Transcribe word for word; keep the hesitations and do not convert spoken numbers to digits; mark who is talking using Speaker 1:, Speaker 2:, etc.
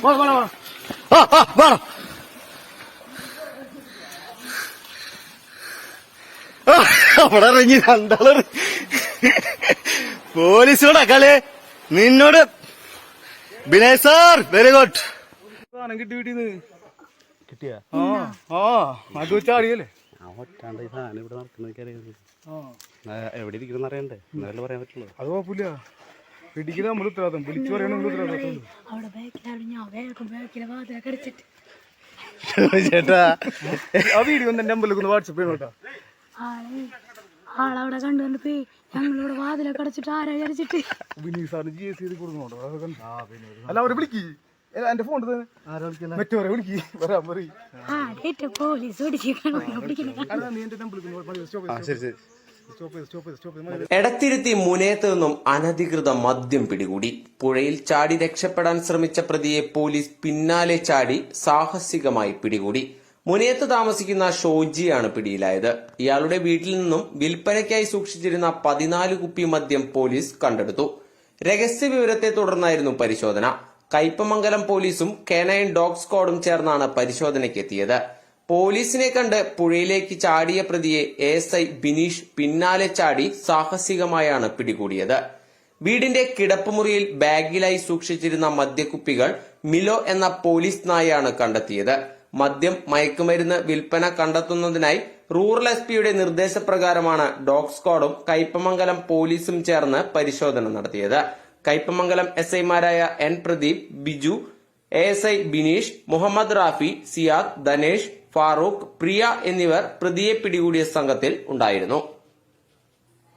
Speaker 1: അവിടെ ഇറങ്ങി രണ്ടാള് പോലീസിനോടാ കളി. നിന്നോട് ബിനയ് സാർ വെരി ഗുഡ്. സാധനം കിട്ടി വീട്ടിന്ന് കിട്ടിയാ? ആ ആ അത് വെച്ചാടിയല്ലേ
Speaker 2: ഒറ്റാണ്ട് ഈ സാധനം ഇവിടെ നടക്കുന്നത് എവിടെ ഇരിക്കുന്ന അറിയണ്ടേ, എന്നാലല്ലേ പറയാൻ പറ്റുള്ളൂ.
Speaker 1: അത് കുഴപ്പമില്ല, പിടിക്കുന്ന നമ്മൾ ഉത്തരവാദിത്തം, വിളിച്ചു പറയണമെങ്കിൽ ഉത്തരവാദിത്തം. ചേട്ടാ ആ വീഡിയോ ഒന്ന് എന്റെ അമ്പലത്തിൽ വാട്സപ്പ് ചെയ്യണം കേട്ടോ.
Speaker 3: ആളവിടെ കണ്ടുകൊണ്ട് ഞങ്ങളിവിടെ വാതിലൊക്കെ അടച്ചിട്ട് ആരാ വിചാരിച്ചിട്ട്
Speaker 1: വിനീത് സാറിന് ജി എസ് ചെയ്ത് കൊടുക്കണോട്ടോ. അല്ല അവരെ വിളിക്ക്, എന്റെ ഫോൺ മറ്റവരെ വിളിക്ക്, വരാൻ പറയും.
Speaker 3: പോലീസ്
Speaker 4: എടത്തിരുത്തി മുനയത്ത് നിന്നും അനധികൃത മദ്യം പിടികൂടി. പുഴയിൽ ചാടി രക്ഷപ്പെടാൻ ശ്രമിച്ച പ്രതിയെ പോലീസ് പിന്നാലെ ചാടി സാഹസികമായി പിടികൂടി. മുനയത്ത് താമസിക്കുന്ന ഷോജിയാണ് പിടിയിലായത്. ഇയാളുടെ വീട്ടിൽ നിന്നും വിൽപ്പനയ്ക്കായി സൂക്ഷിച്ചിരുന്ന പതിനാല് കുപ്പി മദ്യം പോലീസ് കണ്ടെടുത്തു. രഹസ്യ വിവരത്തെ തുടർന്നായിരുന്നു പരിശോധന. കയ്പമംഗലം പോലീസും കേനൈൻ ഡോഗ് സ്ക്വാഡും ചേർന്നാണ് പരിശോധനയ്ക്കെത്തിയത്. പോലീസിനെ കണ്ട് പുഴയിലേക്ക് ചാടിയ പ്രതിയെ എസ് ഐ ബിനീഷ് പിന്നാലെ ചാടി സാഹസികമായാണ് പിടികൂടിയത്. വീടിന്റെ കിടപ്പുമുറിയിൽ ബാഗിലായി സൂക്ഷിച്ചിരുന്ന മദ്യക്കുപ്പികൾ മിലോ എന്ന പോലീസ് നായയാണ് കണ്ടെത്തിയത്. മദ്യം, മയക്കുമരുന്ന് വിൽപ്പന കണ്ടെത്തുന്നതിനായി റൂറൽ എസ് പിയുടെ നിർദ്ദേശപ്രകാരമാണ് ഡോഗ് സ്ക്വാഡും കയ്പമംഗലം പോലീസും ചേർന്ന് പരിശോധന നടത്തിയത്. കയ്പമംഗലം എസ് ഐമാരായ N Pradeep, Biju, A S I Bineesh, Muhammad Rafi, Siyad, Dhanesh, Farooq, Priya എന്നിവർ പ്രതിയെ പിടികൂടിയ സംഘത്തിൽ ഉണ്ടായിരുന്നു.